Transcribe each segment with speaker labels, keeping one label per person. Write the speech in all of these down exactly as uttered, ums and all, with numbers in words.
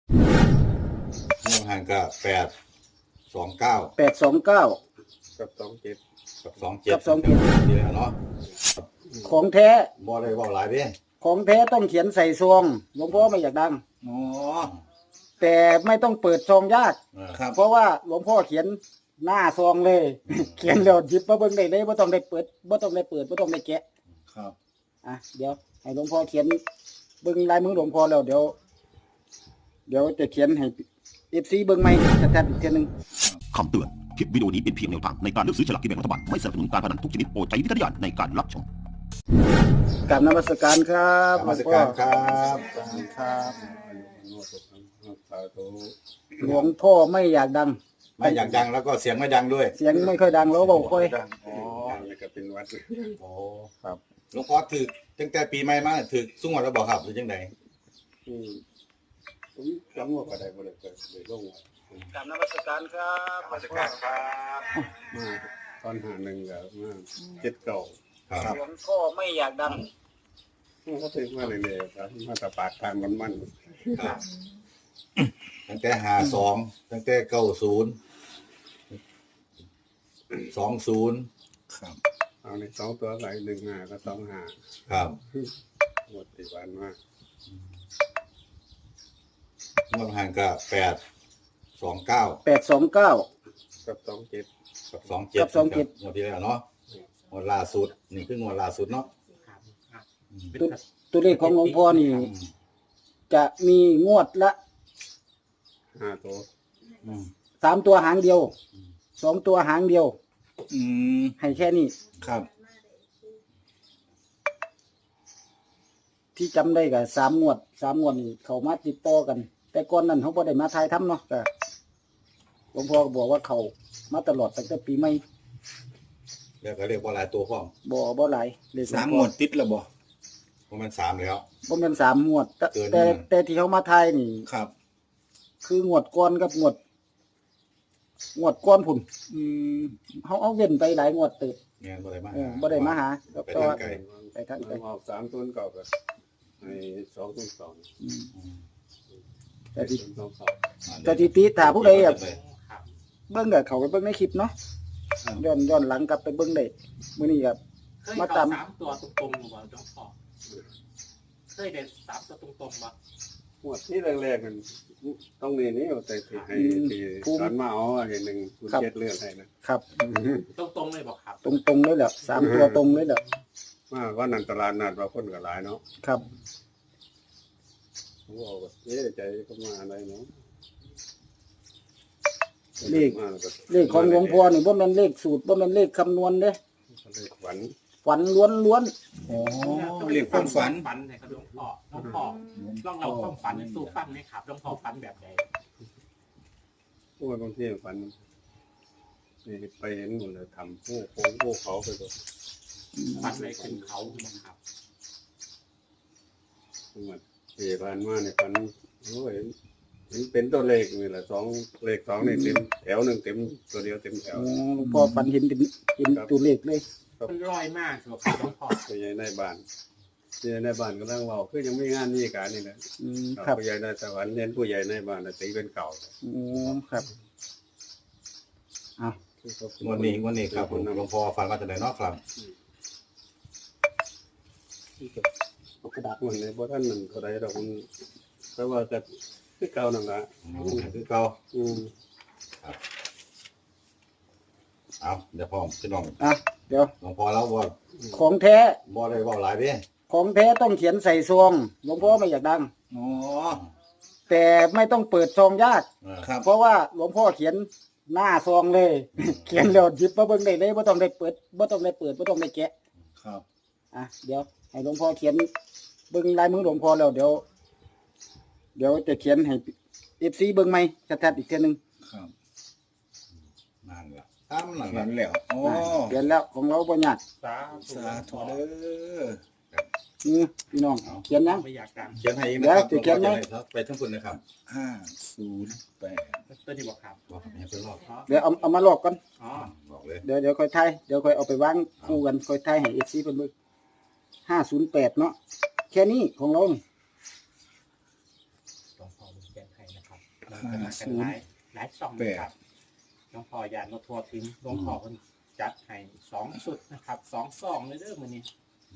Speaker 1: เรื่องห่างก็แปดสองเก้า
Speaker 2: แปดสองเก้า
Speaker 3: กับสองเจ็ด
Speaker 1: กับสองเจ็ด
Speaker 2: กับสองเจ็ด
Speaker 1: นี่แหละเนาะ
Speaker 2: ของแท้
Speaker 1: บ่ได้เว้าหลายเด้
Speaker 2: ของแท้ต้องเขียนใส่ซองหลวงพ่อไม่อยากดัง
Speaker 4: อ๋อ
Speaker 2: แต่ไม่ต้องเปิดซองยาก
Speaker 4: ครับ
Speaker 2: เพราะว่าหลวงพ่อเขียนหน้าซองเลย เขียนแล้วหยิบมาเบิ่งได้เลยบ่ต้องได้เปิดบ่ต้องได้เปิดบ่ต้องได้แกะ
Speaker 4: ครับ
Speaker 2: อ่ะเดี๋ยวให้หลวงพ่อเขียนเบิ่งลายมือหลวงพ่อแล้วเดี๋ยว เดี๋ยวจะเขียนให้ เอฟ ซี เบิ่งใหม่ชัดๆอีกทีนึง
Speaker 5: คำเตือน คลิปวิดีโอนี้เป็นเพียงแนวทางในการเลือกซื้อฉลากกินแบ่งรัฐบาล ไม่สนับสนุนการพนันทุกชนิดโปรดใช้วิจารณญาณในการรับชม
Speaker 2: กราบนมัสการครับ
Speaker 1: นมัสการครับ
Speaker 2: ครับหลวงพ่อไม่อยากดัง
Speaker 1: ไม่อยากดังแล้วก็เสียงไม่ดังด้วย
Speaker 2: เสียงไม่ค่อยดังแล้วเบาค่อย
Speaker 1: อ๋อ
Speaker 3: นี่ก็เป็นวัด
Speaker 1: โอ้ครับหลวงพ่อถือตั้งแต่ปีใหม่มาถือสุ่งหมดแล้วบอกครับหรือจังได
Speaker 3: อืมผมจำว่าก็ได้บ่ได้เกิดเลยลงว่าก
Speaker 2: ราบนมัสการครับ
Speaker 1: นมัสการครับ
Speaker 3: มาตอนหาหนึ่งก็มาเจ็ดเก่า
Speaker 1: ครับ
Speaker 2: หลวงพ่อไม่อยากดัง
Speaker 3: เขาถึงมาเรื่อยๆครับมาตะปากทางมันมัน
Speaker 1: ครับตั้งแต่หาสองตั้งแต่เก้าศูนย์สองศูนย์
Speaker 4: ครับ
Speaker 3: เอาในสองตัวไหลหนึ่งหาก็สองหา
Speaker 1: ครับ
Speaker 3: หมดที่วันมาก
Speaker 1: เรื่องห่างก็แปดสองเก้า
Speaker 2: แปดสองเก้า
Speaker 3: กับสองเจ็ด
Speaker 1: กับสองเจ็ด
Speaker 2: กับสองเจ็ด
Speaker 1: งวดที่แล้วเนาะงวดล่าสุดนี่คืองวดล่าสุดเนาะ
Speaker 2: ตัวตัวเลขของหลวงพ่อนี่
Speaker 1: อืม
Speaker 2: จะมีงวดละ
Speaker 3: ห้าตัว
Speaker 1: อืม
Speaker 2: สามตัวหางเดียวสองตัวหางเดียว
Speaker 4: อืม
Speaker 2: ให้แค่นี้
Speaker 4: ครับ
Speaker 2: ที่จำได้กับสามงวดสามงวดนี่เขามาติดต่อกัน แต่ก่อนนั้นเขาบ่ได้มาทายทำเนาะก็หลวงพ่อก็บอกว่าเขามาตลอดตั้งแต่ปีใหม่
Speaker 1: แล้วก็เรียกว่าหลายตัวพร้อม
Speaker 2: บ่บ่หลายเลขหลว
Speaker 4: สาง ม
Speaker 2: พ่
Speaker 4: ง
Speaker 2: อ
Speaker 4: วดติดแล้วบ่
Speaker 1: เพราะมันสามแล้ว
Speaker 2: บ่แม่นสามงวด แต่
Speaker 1: เกิน
Speaker 2: แต่
Speaker 1: มา
Speaker 2: แต่ที่เขามาทายนี่
Speaker 4: ครับ
Speaker 2: คืองวดก่อนกับงวด งวดก่อนพุ่น
Speaker 4: อืม
Speaker 2: เขาเอาเว้นไปหลายงวดเติบ
Speaker 1: เงี้ยบ่ได้มา
Speaker 2: เออบ่ได้มาหา
Speaker 1: ไป
Speaker 2: แต่
Speaker 1: ทาง
Speaker 2: ว่า
Speaker 1: ไกล
Speaker 2: ไปทางไกล
Speaker 3: ออกสามตัวเก่ากับในสองตัวสอง
Speaker 2: อืม
Speaker 1: อืม
Speaker 2: แต่ที่
Speaker 3: สองสอง
Speaker 2: สถิติถ้าผู้ใดอยากเบิ่งก็เข้าไปเบิ่งในคลิปเนาะย้อนย้อนหลังกลับไปเบิ่งได้มื้อนี้ครับ
Speaker 6: เคย
Speaker 2: มา
Speaker 6: เข้า
Speaker 2: ตาม
Speaker 6: สามตัวตรงๆหรือเปล่าเจ้าพ่อเคยได้สามตัวตรงๆปะ
Speaker 3: หมดที่แรกๆมันต้องนี่นี่เอาแต่ที่ให้ที่ตอนมาเอาเห็นหนึ่งคุณเจ็ดเลือดให้นะครับ
Speaker 6: ตรงๆเลยบอกครับ
Speaker 2: ตรงๆเลยแหละสามตัวตรงเลยแหละ
Speaker 3: มาว่านันตลาดนัดว่าคนก็หลายเนาะ
Speaker 2: ครับ
Speaker 3: ผมบอกว่าเอ๊ะใจเขามาอะไรเนาะ
Speaker 2: เลขเลขของหลวงพ่อนี่บ่แม่นเลขสูตรบ่แม่นเลขคำนวณเด้
Speaker 3: เลขฝัน
Speaker 2: ฝันล้วน
Speaker 4: อ๋อเรียกความฝัน
Speaker 6: ฝันไหนครับหลวงพ่อหลวงพ่อลองเราความฝันในตู้ฟังไหมครับหลวงพ่อฝันแบบไหน
Speaker 3: พวกบางทีฝันนี่ไปเห็นหมดเลยทำผู้โค้งผู้เขาไปหมด
Speaker 6: ฝันอะไรขึ้นเขาครับ
Speaker 3: ทั้งหมดเอผ่านมาเนี่ยฝันโอ้ยเห็นเป็นตัวเลขนี่แหละสองเลขสองนี่เต็มแถวหนึ่งเต็มตัวเดียวเต็มแถ
Speaker 2: ๆ
Speaker 3: ว
Speaker 2: อ๋อหลวงพ่อฝันเห็นเป็นเห็นตัวเลขเลย
Speaker 6: มันลอยมากสุดครับหลวงพ่อ
Speaker 3: ผู้ใหญ่ในบ้านผู้ใหญ่ในบ้านก็นั่งเว่าคือยังไม่งานนี่การนี่นะ
Speaker 2: อืมครับ
Speaker 3: ผู้ใหญ่ในสวรรค์เน้นผู้ใหญ่ในบ้านน่ะตีเป็นเก่า
Speaker 2: อ๋อครับเอา
Speaker 1: งวดนี้งวดนี้ครับผมหลวงพ่อฟังว่าจะได้เนาะครับ
Speaker 2: เอากระดาษ
Speaker 3: มันในบ่ท่านมันเท่าไรดอกมันเพราะว่าจะคือเก่านั่นละ
Speaker 1: อืมคือเก่า
Speaker 3: อืม
Speaker 1: เอาเดี๋ยวพ่อพี่น้อง
Speaker 2: อ่ะเดี๋ยว
Speaker 1: หลวงพ่อแล้วว่า
Speaker 2: ของแท้
Speaker 1: บ่ได้เว้าหลายเด้
Speaker 2: ของแท้ต้องเขียนใส่ซองหลวงพ่อไม่อยากดัง
Speaker 4: อ๋อ
Speaker 2: แต่ไม่ต้องเปิดซองยาก
Speaker 1: เออ
Speaker 4: ครับ
Speaker 2: เพราะว่าหลวงพ่อเขียนหน้าซองเลย เขียนแล้วหยิบมาเบิ่งได้เลยบ่ต้องได้เปิดบ่ต้องได้เปิดบ่ต้องได้แกะ
Speaker 4: ครับ
Speaker 2: อ่ะเดี๋ยวให้หลวงพ่อเขียนเบิ่งลายมือหลวงพ่อแล้วเดี๋ยว เดี๋ยวจะเขียนให้ เอฟ ซี เบิ่งใหม่ชัดๆอีกเทื่อนึง
Speaker 4: ครับ
Speaker 1: นั่นล่ะตามนั่น
Speaker 4: เห็
Speaker 1: ล่ะ
Speaker 4: นแล้วอ๋อ
Speaker 2: เขียนแล้วของเราบ่ยาก
Speaker 6: สา
Speaker 4: สาธุเด้อ
Speaker 2: อือพี่น้องเขียนยัง
Speaker 6: ไม่อยากดัง
Speaker 1: เขียนให้อีกนะครับ
Speaker 2: เดี๋ยวจะเขียนไหม
Speaker 1: หลวงพ่อจะให้ไปทั้งคุณนะครับ
Speaker 4: ห้าศูนย์แปด
Speaker 6: ตัวนี้บอกครับ
Speaker 1: บอกให้เพิ่นรอบ
Speaker 6: อ๋อ
Speaker 2: เดี๋ยวเอาเอามาลอกก่อน
Speaker 6: อ๋อ
Speaker 1: บอกเลย
Speaker 2: เดี๋ยวเดี๋ยวค่อยทายเดี๋ยวค่อยเอาไปวางคู่กันค่อยทายให้ เอฟ ซี เพิ่นเบิ่งห้าศูนย์แปดเนาะแค่นี้ของเรานี่
Speaker 6: หลวงพ่อเป็นแกนไทยนะกันหลายหลายช่องนะครับหลวงพ่ออย่าโนทัวทิ้งหลวงพ่อเพิ่นจัดให้สองชุดนะครับสองซองเลยเด้อมื้อนี้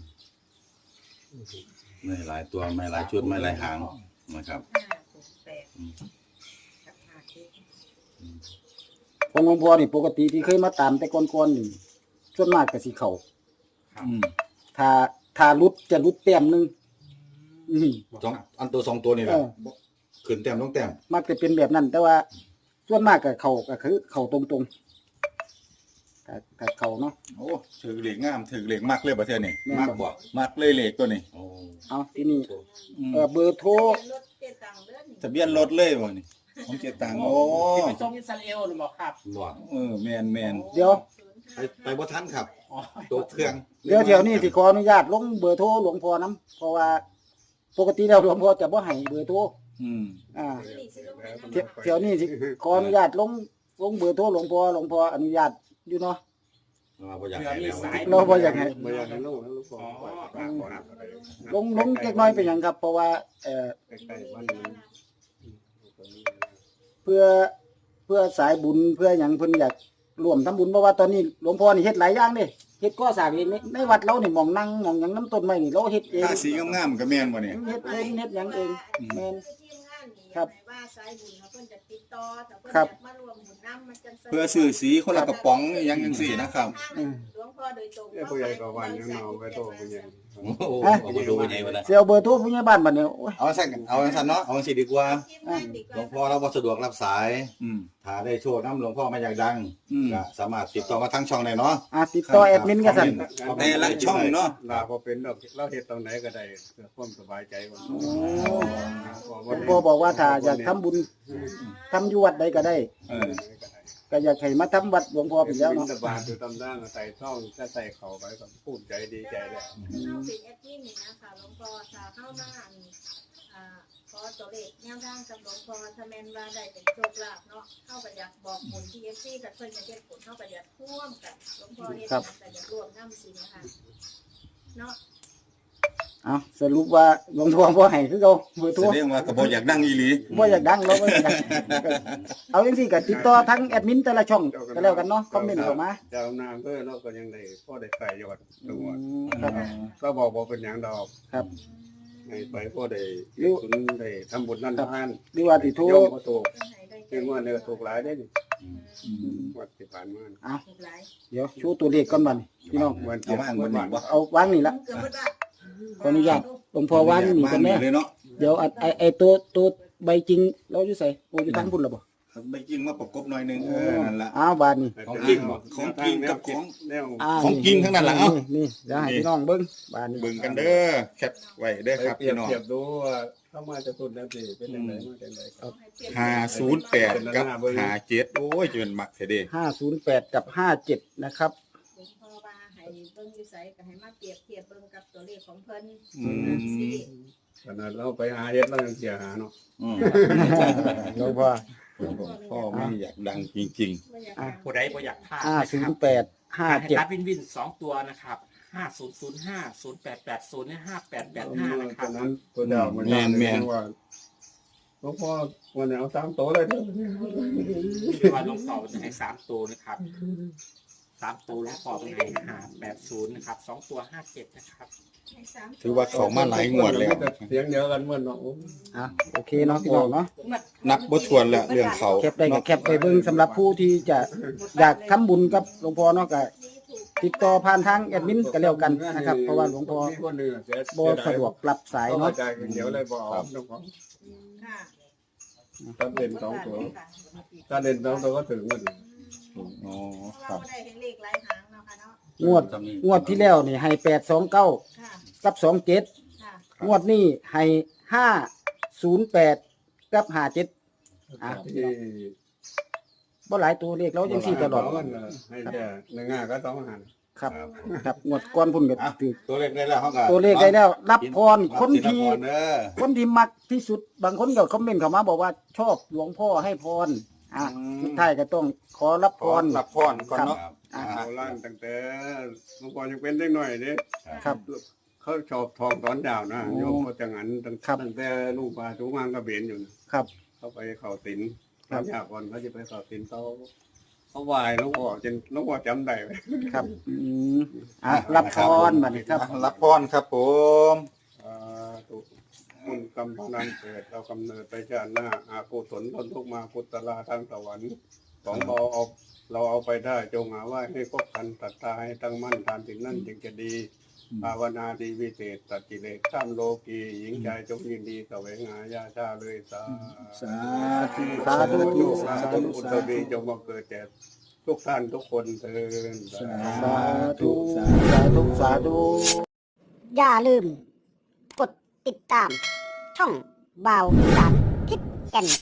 Speaker 1: ไม่หลายตัวไม่หลายชุดไม่หลายหางนะครับ
Speaker 7: ห้าหกแปดกับห้าเจ็ด
Speaker 2: ของหลวงพ่อนี่ปกติที่เคยมาตามแต่ก่อนๆนี่ส่วนมากก็สิเข้า
Speaker 4: อืม
Speaker 2: ถ้าถ้ารุดจะรุดแต้มหนึงอืม
Speaker 1: สองอันตัวสองตัวนี่แหละ
Speaker 2: เออ
Speaker 1: ขึ้นแต้มต้องแต้ม
Speaker 2: มักจะเป็นแบบนั้น แต่ว่าส่วนมากก็เข้าก็คือเข้าตรงๆถ้าถ้าเข้าเนาะ
Speaker 4: โอ้ถือเหล็กงามถือเหล็กมากเลยประเทศนี่
Speaker 2: แม่น
Speaker 1: มาก
Speaker 2: บ่
Speaker 1: บ่
Speaker 4: มากเลยเหล็กตัวนี้
Speaker 1: โอ้
Speaker 2: เอาที่นี่
Speaker 4: อืม
Speaker 2: เอ่อเบอร์โทร
Speaker 7: รถเจ็ดตังค์เดือน
Speaker 4: ทะเบียนรถเลยบ่นี่ของเจตังโอ้
Speaker 6: ที่ไปส่งอิสราเอลหรือเปล่าครับ
Speaker 1: บ่
Speaker 4: เออแม่นแม่น
Speaker 2: เดี๋ยว
Speaker 1: ไปไปบ่ทันครับ
Speaker 6: อ๋อ
Speaker 1: ตัวเครื่อง
Speaker 2: เดี๋ยวแถวนี้สิขออนุญาตลงเบอร์โทรหลวงพ่อนํเพราะว่าปกติแล้วหลวงพ่อจะบ่ให้เบอร์โทร
Speaker 4: อืม
Speaker 2: อ่าแถวแถวนี้สิขออนุญาตลงลงเบอร์โทรหลวงพ่อหลวงพ่ออนุญาตอยู่เนาะ
Speaker 1: เราบ่อยาก
Speaker 6: เผื่อ
Speaker 1: ให้
Speaker 6: มี
Speaker 1: แล้ว
Speaker 6: สาย
Speaker 2: เราบ่อยากให้
Speaker 3: ไม่อยากให้ลูกนะลูกบอก
Speaker 6: อ๋อ
Speaker 3: ว่า
Speaker 6: ครับครับ
Speaker 2: ลงลงเล็กน้อยเป็นหยังครับ เพราะว่าเอ่อ
Speaker 3: ใกล้ๆบ้านนี้
Speaker 2: เพื่อเพื่อสายบุญเพื่อหยังเพิ่นอยากร่วมทำบุญเพราะว่าตอนนี้หลวงพ่อนี่เฮ็ดหลายอย่างเด้เฮ็ดก่อสร้างเองในในวัดเรานี่หม่องนั่งหม่องหยังน้ำต้นไม้นี่เราเฮ็ดเอง
Speaker 4: ถ้าสีงามๆก็แม่นบ่นี่
Speaker 2: เฮ็ดเองเฮ็ดหยังเองแม่น
Speaker 7: ทีมงานนี่
Speaker 2: ครับ
Speaker 7: ว่าสายบุญเขาเพิ่นจะติดต่อแต่เพิ่น
Speaker 2: ครับ
Speaker 7: อยากมารวมบุญน้ำมันจังสะดวก
Speaker 4: เพื่อซื้อสีคนละกระป๋องอยังจังซี่นะครับ
Speaker 2: อืม
Speaker 7: หลวงพ่อโดยตรง
Speaker 3: เอ้ยผู้ใหญ่ก็วันยังเอาไปโตผู้ใหญ่
Speaker 1: โอ้โห
Speaker 2: ฮะ
Speaker 1: เอามาดูยังไงวะนะ
Speaker 2: สิเอาเบอร์โทรผู้ใหญ่บ้านบัดนี้โอ้ย
Speaker 1: เอาสั่นเอาสั่นเนาะเอาสิดีกว่า
Speaker 7: ทีมงานดีก
Speaker 1: หล
Speaker 7: ว่าว
Speaker 1: งพ่อเราบ่สะดวกรับสาย
Speaker 4: อืม
Speaker 1: ถ้าได้โชว์น้ำหลวงพ่อมาอยากดัง
Speaker 4: อืม
Speaker 1: ก็สามารถติดต่อมาทางช่องได้เนาะ
Speaker 2: อ่ะติดต่อแอดมินกันสั่น
Speaker 4: แต่ละช่องเนาะ
Speaker 3: ลาพอเป็นดอกเราเฮ็ดตรงไหนก็ได้เพื่อความสบายใจของ
Speaker 2: หลวงพ่อบอกว่าถ้าอยากทำบุญทำอยู่วัดใดก็ได้
Speaker 4: เออ
Speaker 2: ก็อยากให้มาทำวัดหลวงพ่อไปแล้ว
Speaker 3: บิ
Speaker 2: เนาะ
Speaker 3: นบาทอยู่ตำร่างใส่ช่องก็ใส่เข่าไปก็ภูมิใจดีใจแล้ว
Speaker 7: เข้าเป็นแอดมินนี่นะคะหลวงพ่อถ้าเข้ามาอันอ่าขอตัวเลขแนวทางกับหลวงพ่อถ้าแม่นว่าได้เป็นโชคลาภเนาะเข้าก็อยากบอกบุญที่ เอฟ ซี กับเพิ่นจะเฮ็ดผลเข้าก็อยากร่วมกันหลวงพ่อเฮ็ดหยังก็อยากร่วมนำสินะคะเนาะ
Speaker 2: เอาสรุปว่าหลวงพ่อบ่ให้คือเก่าเบอร์โทร
Speaker 4: แสดงว่าก็บ่อยากดังอีหลี
Speaker 2: บ่อยากดังเราบ่อยากดังเอาจังซี่ก็ติดต่อทั้งแอดมินแต่ละช่องก็แล้วกันเนาะคอมเมนต์เข้ามา
Speaker 3: เจ้าหน้าอำเภอเราก็ยังได้พ่อได้ใส่ยอด
Speaker 2: อื
Speaker 3: ตัว
Speaker 2: มครับ
Speaker 3: ก็บอกว่าเป็นอย่างดอก
Speaker 2: ครับ
Speaker 3: ให้ไปพ่อได้สุนได้ทำบุญนั่นทาน
Speaker 2: หรือว่าสิโทร
Speaker 3: โยมก็ถูก
Speaker 7: เพิ่นให้ได้ใจ
Speaker 3: คือว่าเนื้อถูกหลายได้นี่
Speaker 2: อืม
Speaker 3: วัดที่ผ่านมา
Speaker 2: เอา
Speaker 7: ถูกหลาย
Speaker 2: เดี๋ยวชูตัวเลขก่อนบัดนี้พี่น้อง
Speaker 3: วัน
Speaker 4: เอาว่างบ่นี่บ่
Speaker 2: เอาวางนี่ละ
Speaker 7: เกือบหมดละ
Speaker 2: ขออนุญาตหลวงพ่อวางนี่กันแน่
Speaker 4: เลยเนาะ
Speaker 2: เดี๋ยวอัดไอ้ไอ้ตัวตัวใบจริงเราอยู่ไสโอ้อยู่ทางพุ่นล่ะบ่
Speaker 4: ไปยิงมาประกบหน่อยหนึงเออนั่นล่ะ
Speaker 2: อ้าวบาดนี้
Speaker 4: ของจริงของจริงกับของ
Speaker 3: แนว
Speaker 2: อ่า
Speaker 4: ของจริงทั้งนั้นล่ะเอ้า
Speaker 2: นี่เดี๋ยวให้พี่น้องเบิ่งบาดนี้
Speaker 4: เบิ่งกันเด้อแคปไว้เด้อครับ
Speaker 3: เปรีย
Speaker 4: พี่
Speaker 3: บ
Speaker 4: น้อง
Speaker 3: เทียบดูว่าเข้ามาจะตุนแล้วสิเป็นยังไงมาจังไดครับ
Speaker 4: ห้าศูนย์แปดกับห้าเจ็ดโอ้ยจะเป็นมักแท้เด้
Speaker 2: ห้าศูนย์แปดกับห้าเจ็ดนะครับ
Speaker 7: หลวงพ่อว่าให้เบิ่งอยู่ไสก็ให้มาเปรียบเทียบเบิ่งกับตัวเลขของเพิ่น
Speaker 4: อืม
Speaker 7: สิ
Speaker 3: ขนาดเราไปหาเฮ็ดเรายังเสียหาเนาะ
Speaker 4: อืม
Speaker 2: หลวงพ่อ
Speaker 4: พ่อไม่อยากดังจริง
Speaker 7: บ่อยาก
Speaker 2: อ่ะ
Speaker 7: ให้
Speaker 6: ผู้ใดบ่อยากพลาด
Speaker 2: ห้า
Speaker 6: นะ
Speaker 2: ศู
Speaker 6: คน รับ
Speaker 2: ย์แปดห้า
Speaker 6: ให้
Speaker 2: เจ็ด
Speaker 6: ตัดวินวินสองตัวนะครับห้าศูนย์ศูนย์ห้าศูนย์แปดแปดศูนย์ห้าแปดแปดห้านะค
Speaker 3: ต
Speaker 6: รั
Speaker 3: อบ นนั้นตัวเดียวมันว่าหลวงพ่อวันนี้เอาสามโตเลยเด้อ
Speaker 6: ที่ว่าหลวงพ่อจะให้สามตัวนะครับสามตัวหลวงพ่อเป็นให้ห้าแปดศูนย์นะครับสองตัวห้าเจ็ดนะครับ
Speaker 7: ให้สาม
Speaker 4: ๆ ถือว่าเขามาหลายงวดแล้ว
Speaker 3: เสียงเดียวกันเหมือนเนาะ
Speaker 2: อ่ะโอเคเนาะพี่น้องเนาะ
Speaker 4: นับบ่ถ้วนแล้วเรื่องเขา
Speaker 2: แคปได้ก็แคปไปเบิ่งสำหรับผู้ที่จะอยากทำบุญกับหลวงพ่อเนาะก็ติดต่อผ่านทางแอดมินก็แล้วกันนะครับเพราะว่าหลวงพ่อบ่สะดวกรับสาย
Speaker 3: เนาะ
Speaker 2: เนาะ
Speaker 3: เดี๋ยวเลยบอกหลวงพ่อ
Speaker 7: ค่ะ
Speaker 3: ถ้าเด่นสองตัวถ้าเด่นสองตัวก็ถึงมัน
Speaker 4: อ๋อค
Speaker 7: เรา
Speaker 4: รับ
Speaker 7: ได้เห็นเลขหลายหางเนาะค่ะเนาะ
Speaker 2: งวดงวดที่แล้วนี่ให้แปดสองเก้า
Speaker 7: ค่ะ
Speaker 2: กับสองเจ็ด
Speaker 7: ค่ะ
Speaker 2: งวดนี้ให้ห้าศูนย์แปดกับห้าเจ็ดอ่ะ
Speaker 3: ที่
Speaker 2: บ่หลายตัวเลขเราจังซี่ตลอด
Speaker 3: ให้แค่หนึ่งห้าก็ต้องหัน
Speaker 2: ครับครับงวดก่อนพุ่นก็
Speaker 1: อ่ะ
Speaker 2: ถือ
Speaker 1: ตัวเลขได้แล้วเขาก็
Speaker 2: ตัวเลขได้แล้ว รับพรคนที่
Speaker 1: รับพรเด้อ
Speaker 2: คนที่มักที่สุดบางคนก็คอมเมนต์เข้ามาบอกว่าชอบหลวงพ่อให้พรอ่ะสุดท้ายก็ต้องขอรับพร
Speaker 4: รับพรก่อนเนาะ
Speaker 2: อ่ะ
Speaker 3: เอาล่างตั้งแต่หลวงพ่อยังเป็นเด็กหน่อยเด้
Speaker 2: ครับ
Speaker 3: เขาชอบทองตอนดาวนะ
Speaker 2: โอ้
Speaker 3: โยมเขาจะงันตั้ง
Speaker 2: ครับ
Speaker 3: ตั้งแต่ลูกปลาทุกงานก็เบนอยู่นะครับเขาไปเข้าศีล
Speaker 2: ครับ
Speaker 3: ยากก่อนเขาจะไปเข้าศีลเขาเขาไหวหลวงพ่อจนหลวงพ่อจำได้เลย
Speaker 2: ครับอืมอ่ะรับพรบัดนี้ครับ
Speaker 1: รับพรครับผม
Speaker 3: อ่าถูกคุณกำพนันเกิดเรากำเนิดไปชาติหน้าอากุศลล้นทุกมากุตลาทางสวรรค์ของเราเอาเราเอาไปได้จงหาว่าให้คบกันศรัทธาให้ตั้งมั่นทานสิ่งนั้นจึงจะดีภาวนาดีวิเศษตัดกิเลสข้ามโลกีหญิงใจจงยินดีแสวงหายาชาเลยสา
Speaker 2: สาธุสาธุ
Speaker 3: ธุ
Speaker 2: สา
Speaker 3: สา
Speaker 2: ธุ
Speaker 3: ธุอุตรีจงมาเกิดแก่ทุกท่านทุกคนเถิด
Speaker 2: สาธุสาธุสาธุ
Speaker 8: อย่าลืม กดติดตาม ช่องบ่าวอีสานทิศแก่น